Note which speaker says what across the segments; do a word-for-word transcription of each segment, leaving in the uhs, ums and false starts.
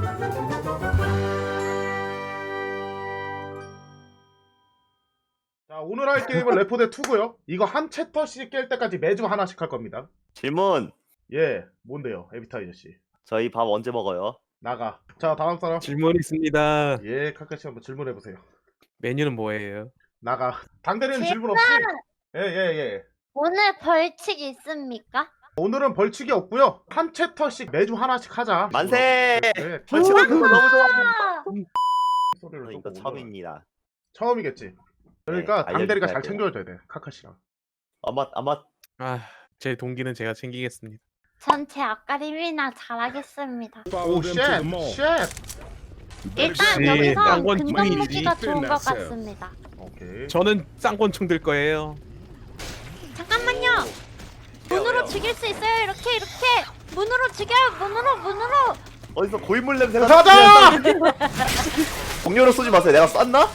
Speaker 1: 자, 오늘 할 게임은 레포대 투고요. 이거 한 챕터씩 깰 때까지 매주 하나씩 할 겁니다.
Speaker 2: 질문.
Speaker 1: 예, 뭔데요, 에비타이저 씨?
Speaker 2: 저희 밥 언제 먹어요?
Speaker 1: 나가. 자, 다음 사람.
Speaker 3: 질문 있습니다.
Speaker 1: 예, 카카시 한번 질문해 보세요.
Speaker 3: 메뉴는 뭐예요?
Speaker 1: 나가. 당대리는 질문 없지? 예, 예, 예.
Speaker 4: 오늘 벌칙 있습니까?
Speaker 1: 오늘은 벌칙이 없고요. 한 챕터씩 매주 하나씩 하자.
Speaker 2: 만세!
Speaker 1: 네,
Speaker 2: 벌칙하는 거 너무 좋아.
Speaker 4: 아,
Speaker 1: 소리를
Speaker 2: 이거
Speaker 1: 조금
Speaker 2: 처음입니다.
Speaker 1: 처음이겠지. 그러니까
Speaker 2: 네,
Speaker 1: 당대리가 잘
Speaker 2: 알려주셔야
Speaker 1: 챙겨줘야 돼, 카카시랑.
Speaker 2: 아마 아마
Speaker 3: 아, 제 동기는 제가 챙기겠습니다.
Speaker 4: 전 제 아까림이나 잘하겠습니다.
Speaker 1: 오, 쉣! 쉣!
Speaker 4: 일단
Speaker 3: 역시
Speaker 4: 여기서
Speaker 3: 쌍권
Speaker 4: 근접
Speaker 3: 중이지.
Speaker 4: 무기가 좋은 것 같습니다.
Speaker 1: 오케이.
Speaker 3: 저는 쌍권총 들 거예요.
Speaker 4: 잠깐만요. 문으로 죽일 수 있어요. 이렇게 이렇게 문으로 죽여요. 문으로 문으로.
Speaker 2: 어디서 고인물 냄새가
Speaker 1: 가자!
Speaker 2: 동료로 쏘지 마세요. 내가 쐈나?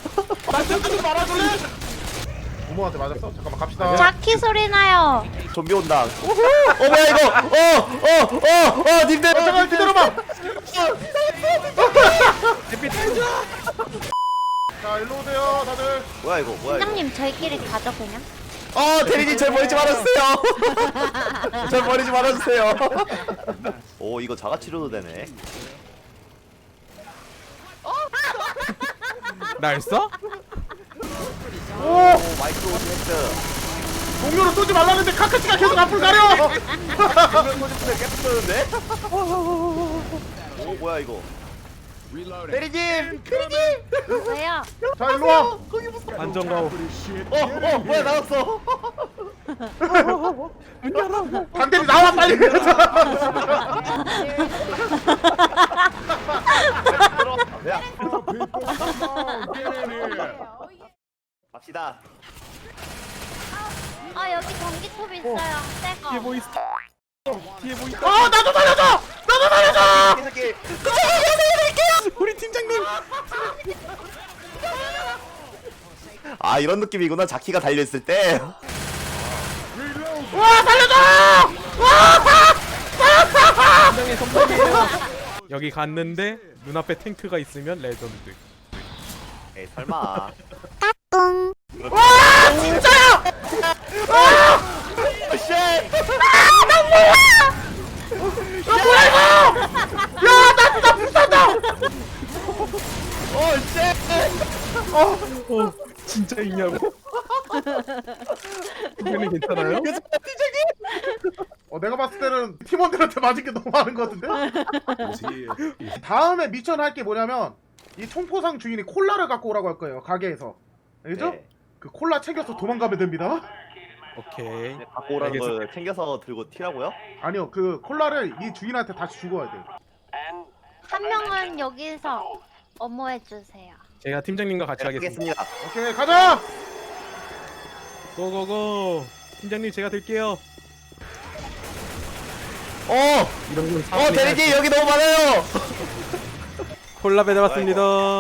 Speaker 1: 부모한테 맞았어? 잠깐만 갑시다.
Speaker 4: 자키 소리 나요.
Speaker 2: 좀비 온다. 어 뭐야 이거? 어어어어 님들.
Speaker 1: 어, 잠깐 기다려봐. 자, 일로 오세요, 다들.
Speaker 2: 뭐야 이거? 뭐야 이거?
Speaker 4: 팀장님 저희끼리 가죠 그냥.
Speaker 2: 어 대리님 절 버리지 말아주세요. 절 버리지 말아주세요. 오 이거 자가 치료도 되네.
Speaker 3: 날 써?
Speaker 1: 오!
Speaker 2: 오 마이크로 오브젝트.
Speaker 1: 동료를 쏘지 말라는데 카카시가 계속 앞을 가려!
Speaker 2: 정면 소집을 계속 쓰는데? 오 뭐야 이거? 대리님!
Speaker 4: 왜요?
Speaker 1: 자, 일로 와.
Speaker 3: 안정가오.
Speaker 2: 어어 뭐야 나왔어?
Speaker 3: 문 열어.
Speaker 1: 당대리 나와 빨리.
Speaker 2: 야 갑시다.
Speaker 4: 아 여기 전기톱 있어요. 새거.
Speaker 3: 뒤에 뭐 있어? 뒤에 뭐 있어?
Speaker 1: 어, 나도 살려줘! 나도 살려줘!
Speaker 2: 이 새끼.
Speaker 3: 우리 팀장님.
Speaker 2: 아 이런 느낌이구나. 자키가 달려있을 때.
Speaker 1: 와, 살려줘!
Speaker 3: 팀장님 성공이에요. 여기 갔는데 눈앞에 탱크가 있으면 레전드.
Speaker 2: 에이 설마.
Speaker 1: 와, 진짜야!
Speaker 2: 쉣!
Speaker 1: 야, 뭐야 이거! 야, 나 진짜 불쌍다!
Speaker 2: 오 쉣!
Speaker 3: 어, 진짜 있냐고? 팀장님 괜찮아요?
Speaker 1: 어, 내가 봤을 때는 팀원들한테 맞은 게 너무 많은 것 같은데? 다음에 미션 할 게 뭐냐면 이 총포상 주인이 콜라를 갖고 오라고 할 거예요, 가게에서. 알겠죠?
Speaker 2: 네.
Speaker 1: 그 콜라 챙겨서 도망가면 됩니다.
Speaker 3: 오케이.
Speaker 2: 네, 갖고 오라는
Speaker 3: 알겠습니다.
Speaker 2: 걸 챙겨서 들고 튀라고요?
Speaker 1: 아니요, 그 콜라를 이 주인한테 다시 주고 와야 돼요.
Speaker 4: 한 명은 여기서 어머해 주세요.
Speaker 3: 제가 팀장님과 같이
Speaker 2: 네,
Speaker 3: 하겠습니다.
Speaker 2: 하겠습니다.
Speaker 1: 오케이, 가자!
Speaker 3: 고고고. 팀장님 제가 들게요.
Speaker 2: 어!
Speaker 3: 이런 건
Speaker 2: 어
Speaker 3: 사람이
Speaker 2: 대리님 여기 너무 많아요!
Speaker 3: 콜라 배달왔습니다.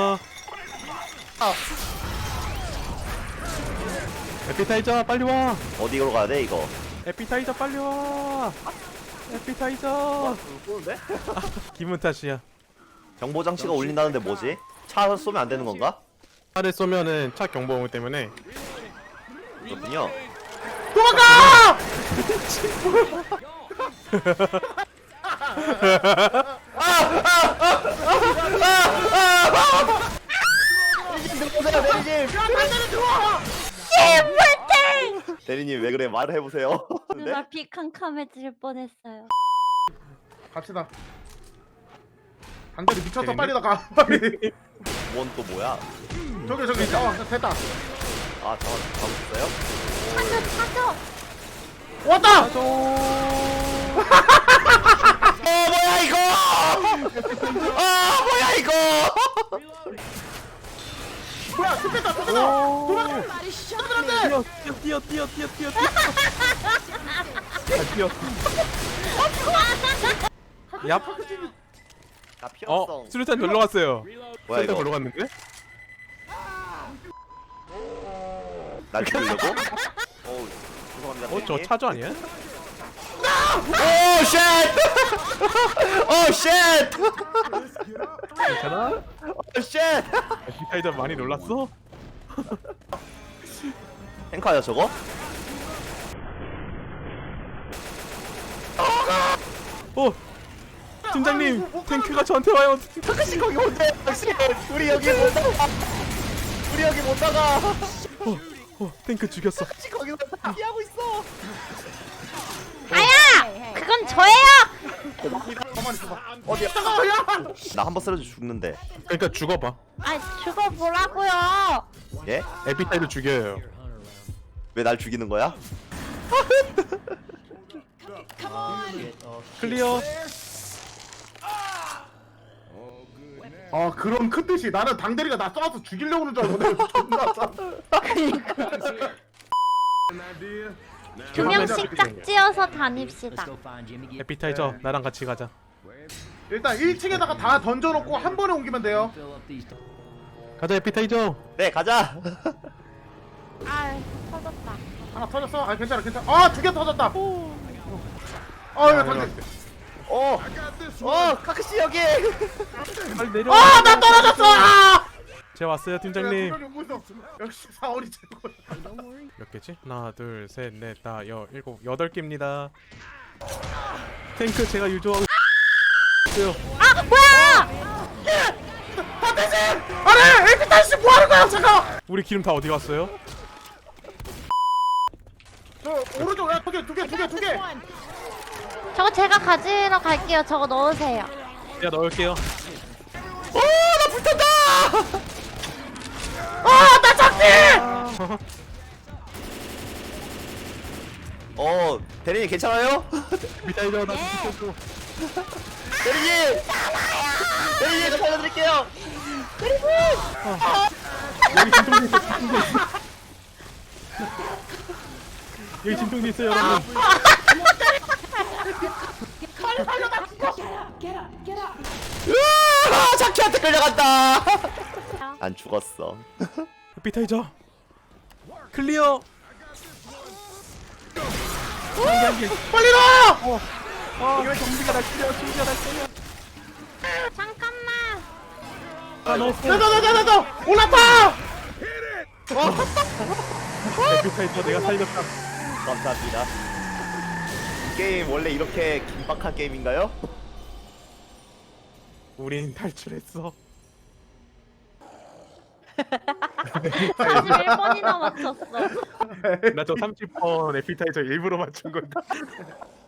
Speaker 3: 에피타이저 빨리 와.
Speaker 2: 어디로 가야 돼 이거?
Speaker 3: 에피타이저 빨리 와. 에피타이저.
Speaker 2: 쏘는데?
Speaker 3: 기분 탓이야.
Speaker 2: 경보 장치가 울린다는데 뭐지? 차 쏘면 안 되는 건가?
Speaker 3: 차를 쏘면은 차 경보음 때문에
Speaker 2: 그렇군요.
Speaker 1: 도망가!
Speaker 2: 대리님 왜 그래 말을 해보세요. 네?
Speaker 4: 눈앞이 캄캄해질 뻔했어요.
Speaker 1: 갑시다. 당대리 미쳤어,
Speaker 3: 재밌네.
Speaker 1: 빨리 나가. 빨리.
Speaker 2: 뭔 또 뭐야?
Speaker 1: 저기, 저기, 어, 됐다.
Speaker 2: 아 잠깐 잡으셨어요?
Speaker 4: 찾아 찾아.
Speaker 1: 왔다!
Speaker 2: 어 뭐야 이거! 아 뭐야 이거!
Speaker 1: 뭐야, 습했다, 습했다! 도망가!
Speaker 3: 뛰어 뛰어 뛰어 뛰어 뛰어 뛰어. 아, 뛰어. 얍.
Speaker 2: 나 필요성.
Speaker 3: 어, 수류탄 놀러 갔어요.
Speaker 2: 뭐야
Speaker 3: 수류탄
Speaker 2: 이거?
Speaker 3: 놀러 갔는데?
Speaker 2: 날 죽이려고? 어우 죄송합니다.
Speaker 3: 어, 저 차주 아니야?
Speaker 2: 오 쉣! 오 쉣!
Speaker 3: 괜찮아?
Speaker 2: 쉣!
Speaker 3: 에피타이저 많이 놀랐어?
Speaker 2: 탱커야 저거?
Speaker 3: 어! 팀장님! 탱크가 저한테 와요!
Speaker 2: 타크시 거기 혼자 역시 우리 여기 못 나가 우리 여기 못 나가
Speaker 3: 어! 어! 탱크 죽였어.
Speaker 2: 타크시 거기 혼자 피하고 있어
Speaker 4: 아야! 그건 저예요!
Speaker 1: 가만히 있어봐.
Speaker 2: 어디야 나 한 번 쓰러져 죽는데
Speaker 3: 그러니까 죽어봐.
Speaker 4: 아, 죽어보라고요.
Speaker 2: 예?
Speaker 3: 에피타이저 죽여요.
Speaker 2: 왜 날 죽이는 거야?
Speaker 3: 클리어.
Speaker 1: 아 그런 큰 뜻이 나는 당대리가 나 쏴서 죽이려고 그러는 줄 알고 내가 존나 쏴.
Speaker 4: 두 명씩 짝지어서 다닙시다.
Speaker 3: 에피타이저 나랑 같이 가자.
Speaker 1: 일단 일 층에다가 다 던져놓고 한 번에 옮기면 돼요.
Speaker 3: 가자 에피타이저.
Speaker 2: 네 가자
Speaker 4: 아, 터졌다.
Speaker 1: 하나 터졌어? 아 괜찮아 괜찮아. 아 두 개 터졌다. 아 이거 당대.
Speaker 2: 어! 어! 카크시 여기!
Speaker 3: 빨리 내려.
Speaker 1: 아나 떨어졌어. 아!
Speaker 3: 제 왔어요 팀장님.
Speaker 1: 역시 사월이 최고야.
Speaker 3: 몇 개지? 하나, 둘, 셋, 넷, 다, 여, 일곱, 여덟 개입니다. 탱크 제가 유조하고 있어요.
Speaker 4: 아, 뭐야!
Speaker 1: 아니 에피타이씨 뭐하는 거야 잠깐.
Speaker 3: 우리 기름 다 어디 갔어요?
Speaker 1: 저 오른쪽 야 두 개 두 개 두 개 두 개.
Speaker 4: 저거 제가 가지러 갈게요. 저거 넣으세요.
Speaker 3: 제가 넣을게요.
Speaker 1: 아나 잡기.
Speaker 2: 어 대리님 괜찮아요?
Speaker 3: 에피타이저 나
Speaker 4: 네.
Speaker 3: 죽였어.
Speaker 2: 대리님! 대리님 저 살려드릴게요!
Speaker 3: 여기 진통제 있어. 진통제 있어. 여기 진통제 있어요 여러분.
Speaker 2: 으아! 자키한테 끌려간다! 안 죽었어
Speaker 3: 에피타이저 클리어.
Speaker 1: 빨리 넣어.
Speaker 3: 어, 좀비가 날 끌려. 좀비가 날 끌려.
Speaker 4: 잠깐만.
Speaker 3: 아 넣었어.
Speaker 1: 내가 내가 내가 올라타.
Speaker 3: 에피타이저 내가 살렸다.
Speaker 2: 감사합니다 이 게임 원래 이렇게 긴박한 게임인가요?
Speaker 3: 우린 탈출했어.
Speaker 4: 사십일 번이나 맞췄어.
Speaker 3: 나 저 삼십 번 에피타이저 일부러 맞춘 건데.